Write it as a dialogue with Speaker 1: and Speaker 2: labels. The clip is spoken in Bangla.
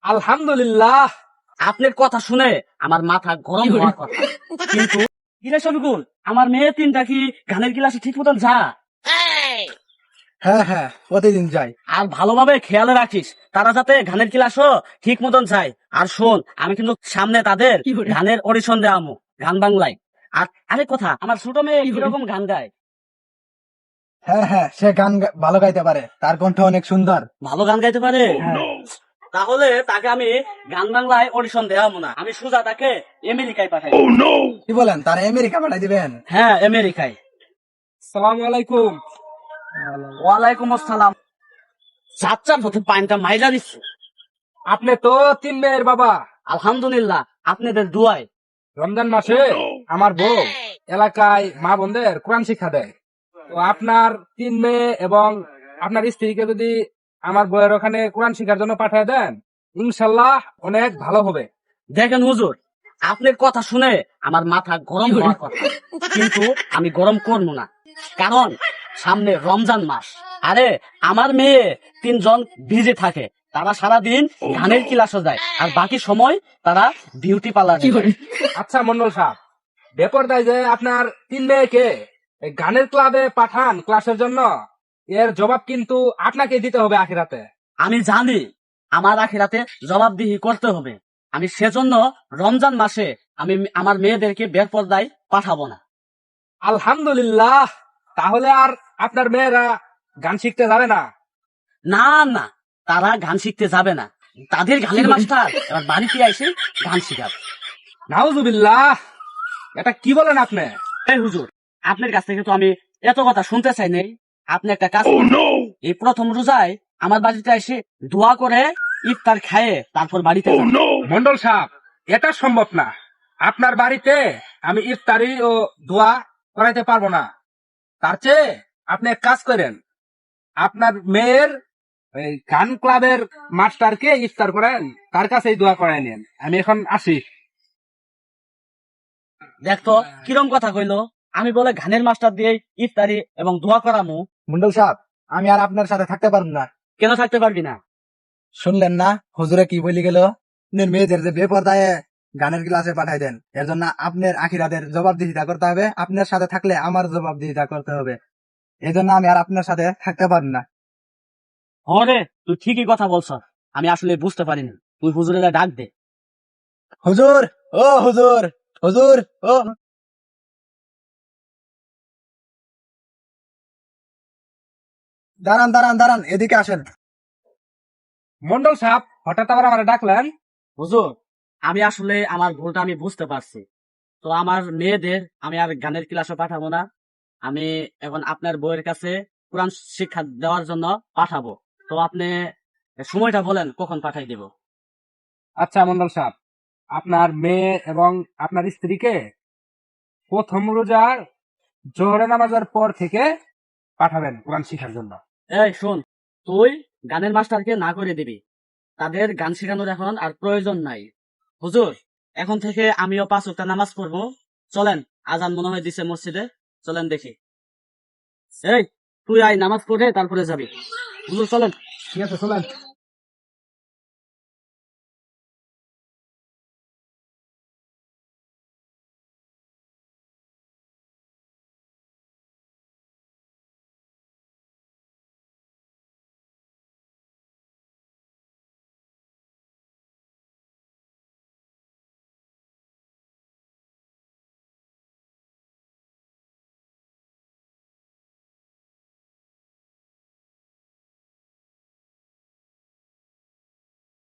Speaker 1: আলহামদুলিল্লাহ।
Speaker 2: আপনার কথা শুনে আমার মাথা গরম হওয়ার কথা, কিন্তু কিরে শফিকুল, আমার মেয়ে তিনটা কি গানের ক্লাসে ঠিক মতন যা?
Speaker 1: হ্যাঁ হ্যাঁ, প্রতিদিন যাই।
Speaker 2: আর ভালোভাবে খেয়াল রাখিস তারা যাতে গানের ক্লাসও ঠিক মতন যায়। আর শোন, আমি কিন্তু সামনে তাদের গানের অডিশন দেওয়ামু, গান বাংলায়। আর আরেক কথা, আমার ছোট মেয়ে কিরকম গান গায়?
Speaker 1: হ্যাঁ হ্যাঁ, সে গান ভালো গাইতে পারে, তার কণ্ঠ অনেক সুন্দর।
Speaker 2: ভালো গান গাইতে পারে?
Speaker 1: হ্যাঁ।
Speaker 2: তাহলে তাকে আমি গান বাংলায় অডিশন দেওয়ামু না, আমি সোজা তাকে আমেরিকায় পাঠাই।
Speaker 1: কি বলেন, তার আমেরিকা পাঠাই দিবেন?
Speaker 2: হ্যাঁ, আমেরিকায়।
Speaker 1: আসসালামু আলাইকুম।
Speaker 2: ওয়ালাইকুম আসসালাম। চাচ্চার হতে পাইনটা মাইজা দিচ্ছে।
Speaker 1: আপনি তো 3 মেয়ের বাবা।
Speaker 2: আলহামদুলিল্লাহ, আপনাদের দুয়ায়।
Speaker 1: রমজান মাসে আমার বউ এলাকায় মা বোনদের কোরআন শিক্ষা দেয়। তো আপনার 3 মেয়ে এবং আপনার স্ত্রীকে যদি আমার বউয়ের ওখানে কোরআন শিক্ষার জন্য পাঠিয়ে দেন, ইনশাল্লাহ অনেক ভালো হবে।
Speaker 2: দেখেন হুজুর, আপনার কথা শুনে আমার মাথা গরম হওয়ার কথা, কিন্তু আমি গরম করবো না, কারণ সামনে রমজান মাস। আরে আমার মেয়ে তিনজন ভিজে থাকে, তারা সারাদিন গানের ক্লাসে যায়, আর বাকি সময় তারা বিউটি পার্লার।
Speaker 1: আচ্ছা মন্ডল সাহেব, বেপরদায় যে আপনার 3 মেয়েকে এই গানের ক্লাবে পাঠান ক্লাসের জন্য, এর জবাব কিন্তু আপনাকে দিতে হবে আখিরাতে।
Speaker 2: আমি জানি আমার আখিরাতে জবাবদিহি করতে হবে, আমি সেজন্য রমজান মাসে আমি আমার মেয়েদেরকে বেপরদায় পাঠাবো না।
Speaker 1: আলহামদুলিল্লাহ। তাহলে আর আপনার মেয়েরা গান শিখতে যাবে না?
Speaker 2: না না, তারা গান শিখতে যাবে না, তাদের গানের মাস্টার এবার বাড়িতে এসে গান শিখাবে।
Speaker 1: নাউজুবিল্লাহ, এটা কি বলেন আপনি?
Speaker 2: এই হুজুর, আপনার কাছ থেকে তো আমি এত কথা শুনতে চাই নাই। আপনি একটা কাজ করুন, এই প্রথম রোজায় আমার বাড়িতে এসে দোয়া করে ইফতার খায়ে তারপর বাড়িতে যান।
Speaker 1: মন্ডল সাহেব, এটা সম্ভব না। আপনার বাড়িতে আমি ইফতারি ও দোয়া করাইতে পারবো না। তার চেয়ে আপনি এক কাজ করেন, আপনার মেয়ের এই গান ক্লাবের মাস্টারকে ইফতার করেন, তার কাছেই দোয়া করাই নেন। আমি এখন আসি।
Speaker 2: দেখতো কিরম কথা কইলো, আমি বলে গানের মাস্টার দিয়ে ইফতারি এবং দোয়া করামু।
Speaker 1: মন্ডল সাহেব, আমি আর আপনার সাথে থাকতে পারবো না।
Speaker 2: কেন থাকতে পারবি না?
Speaker 1: শুনলেন না হুজুরে কি বলি গেল? আপনার মেয়েদের যে বেপরদায় গানের ক্লাসে পাঠাই দেন, এর জন্য আপনার আখিরাতের জবাবদিহিতা করতে হবে। আপনার সাথে থাকলে আমার জবাবদিহিতা করতে হবে। এই জন্য আমি আর আপনার সাথে থাকতে পারবো না।
Speaker 2: হরে, তুই ঠিকই কথা বলছ, আমি আসলে বুঝতে পারিনি। তুই হুজুরের ডাক দে।
Speaker 1: হুজুর, ও হুজুর, হুজুর, ও দাঁড়ান দাঁড়ান দাঁড়ান, এদিকে আসেন। মন্ডল সাহেব, হঠাৎ আবার আমার ডাকলেন?
Speaker 2: হুজুর, আমি আসলে আমার ভুলটা আমি বুঝতে পারছি। তো আমার মেয়েদের আমি আর গানের ক্লাসে পাঠাবো না, আমি এখন আপনার বইয়ের কাছে কোরআন শিক্ষা দেওয়ার জন্য পাঠাবো। তো আপনি সময়টা বলেন কখন পাঠাই দেব।
Speaker 1: আচ্ছা মন্ডল সাহেব, আপনার মেয়ে এবং আপনার স্ত্রীকে প্রথম রোজার জোহরে নামাজের পর থেকে পাঠাবেন কোরআন শিখার জন্য।
Speaker 2: এই শোন, তুই গানের মাস্টারকে না করে দিবি, তাদের গান শেখানোর এখন আর প্রয়োজন নাই। হুজুর, এখন থেকে আমিও 5 ওয়াক্ত নামাজ পড়বো। চলেন, আজান মনে হয় দিছে মসজিদে, চলেন দেখি। এই, তুই আয় নামাজ পড়ে তারপরে যাবি। হুজুর চলেন।
Speaker 1: ঠিক আছে, চলেন।